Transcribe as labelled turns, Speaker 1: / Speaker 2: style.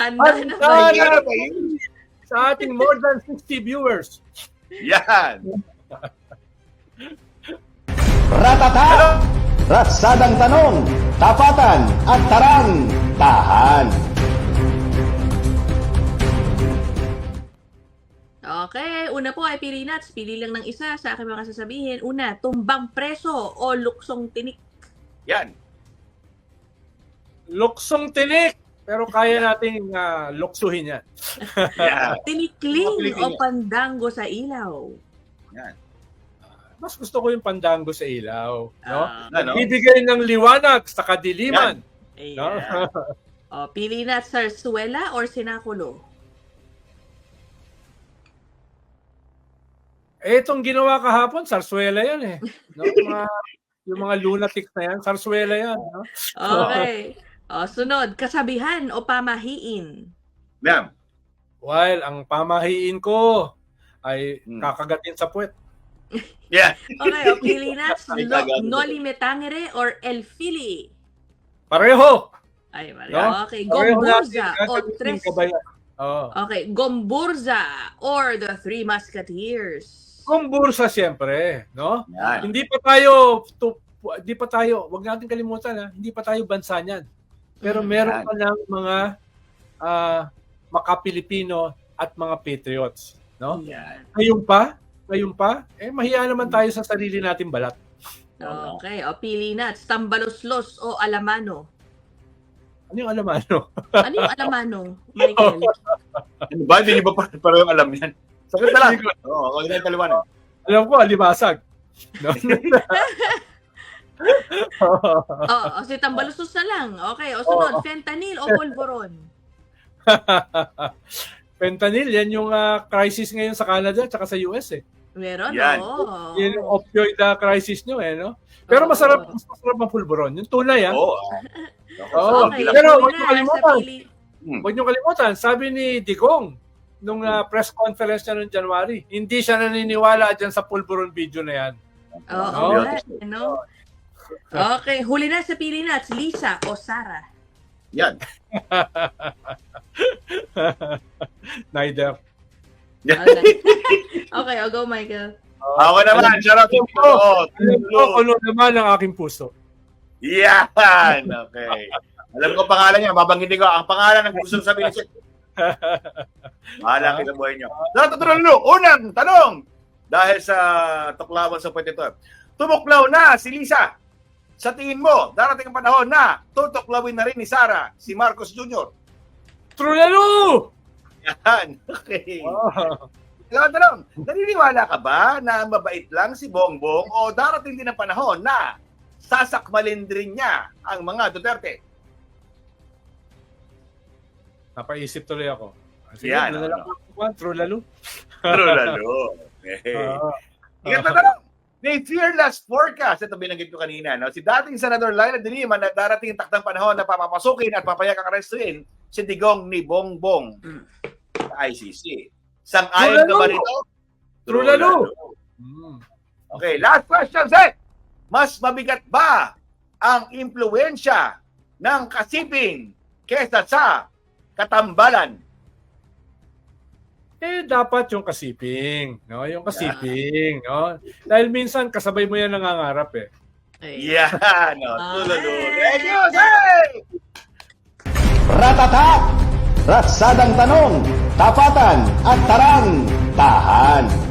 Speaker 1: Handa na ba
Speaker 2: Handa
Speaker 1: yun?
Speaker 2: na ba yun? Sa ating more than 60 viewers.
Speaker 3: Yan.
Speaker 4: Ratata! Ratsadang tanong, tapatan at tarang, tahan.
Speaker 1: Okay, una po ay pili nuts. Pili lang ng isa sa aking mga sasabihin. Una, tumbang preso o luksong tinik.
Speaker 3: Yan.
Speaker 2: Luksong tinik. Pero kaya nating luksuhin yan.
Speaker 3: Yan.
Speaker 1: Tinikling o pandango sa ilaw.
Speaker 3: Yan.
Speaker 2: Mas gusto ko yung pandango sa ilaw. No?
Speaker 3: Ano?
Speaker 2: Bibigay ng liwanag sa kadiliman.
Speaker 1: Ayan.
Speaker 2: No?
Speaker 1: O, pili nuts, sarsuela or sinakulo.
Speaker 2: Itong ginawa kahapon, sarsuela yan eh. No? Yung mga lunatics na yan, sarsuela yan. No?
Speaker 1: Okay. O, sunod, kasabihan o pamahiin.
Speaker 3: Yan.
Speaker 2: While ang pamahiin ko ay kakagatin sa puwet.
Speaker 3: Yan.
Speaker 1: Okay, o pili nuts,
Speaker 3: Ay, kagano.
Speaker 1: noli me tangere or el fili.
Speaker 2: Pareho!
Speaker 1: Ay, Maria.
Speaker 2: No?
Speaker 1: Okay,
Speaker 2: Pareho
Speaker 1: gomburza
Speaker 2: natin,
Speaker 1: o
Speaker 2: gagamitin
Speaker 1: tres.
Speaker 2: kabayan. Oo.
Speaker 1: Okay, gomburza or the Three Musketeers.
Speaker 2: Kumbursa siyempre, no?
Speaker 3: Yan.
Speaker 2: Hindi pa tayo, wag natin kalimutan hindi pa tayo bansa niyan. Pero meron pa ng mga maka-Pilipino at mga patriots, no?
Speaker 1: Yan.
Speaker 2: Ngayon pa, mahiya naman tayo sa sarili nating balat.
Speaker 1: Okay, o pili nuts, tambaloslos o alamano.
Speaker 2: Ano yung alamano?
Speaker 1: Ano yung alamano, Michael?
Speaker 3: Ano ba? Hindi niyo ba parang alam yan? Sakit na lang. Oo, huwag na yung kaliwanag.
Speaker 2: Alam ko, alibasag. No?
Speaker 1: O si tambaloslos na lang. Okay, o sunod, fentanyl o polvoron.
Speaker 2: Fentanyl, yan yung crisis ngayon sa Canada at sa US eh.
Speaker 1: Meron,
Speaker 3: Yan.
Speaker 1: oo.
Speaker 2: Yan yung opioid crisis nyo eh, no? Pero mas masarap ang pulburon. Yung tunay,
Speaker 3: Oo.
Speaker 1: Okay,
Speaker 2: Pero
Speaker 1: huli
Speaker 2: huwag
Speaker 1: na
Speaker 2: niyo
Speaker 1: sa
Speaker 2: kalimutan.
Speaker 1: pili.
Speaker 2: Huwag niyo kalimutan, sabi ni Digong, nung press conference niya noong January, hindi siya naniniwala dyan sa pulburon video na yan.
Speaker 1: Oo, ano? Okay, huli na sa pili nuts, Lisa o Sarah.
Speaker 3: Yan.
Speaker 2: Neither.
Speaker 1: Okay, I'll go, Michael.
Speaker 3: Ako naman, shout out to
Speaker 2: Alam ko ano naman ang aking puso.
Speaker 3: Yan. Okay. Alam ko pangalan niya, babanggitin ko. Ang pangalan ng gusto sabihin niya. Mahala kita buhay niyo. Unang tanong. Dahil sa tuklawan sa pwede ito. Tumuklaw na si Lisa. Sa tingin mo, darating ang panahon na tutuklawin na rin ni Sarah si Marcos Jr.
Speaker 2: Trulalo!
Speaker 3: Yan. Okay. Tanong, naniniwala ka ba na mabait lang si Bongbong o darating din ang panahon na sasakmalin din niya ang mga Duterte?
Speaker 2: Napaisip tuloy ako. Sige,
Speaker 3: Yan,
Speaker 2: ano na lang ako, Trulalo.
Speaker 3: Trulalo. Okay. Ingat na tanong. May fearless forecast. Ito binanggit ko kanina. No? Si dating Senador Laila de Lima na darating ang takdang panahon na papapasukin at papayag ang arestuin si Digong ni Bongbong sa ICC. Sang-ayon ka ba rito?
Speaker 2: Trulalo!
Speaker 3: Okay, last question, Seth. Mas mabigat ba ang impluwensya ng kasiping kesa sa katambalan?
Speaker 2: Dapat yung kasiping, no? Yung kasiping, no? Dahil minsan kasabay mo yan nangangarap eh.
Speaker 3: Yan, no? Trulalo. Thank you, Seth!
Speaker 4: Ratata! Ratsadang tanong, tapatan at tarang, tahan.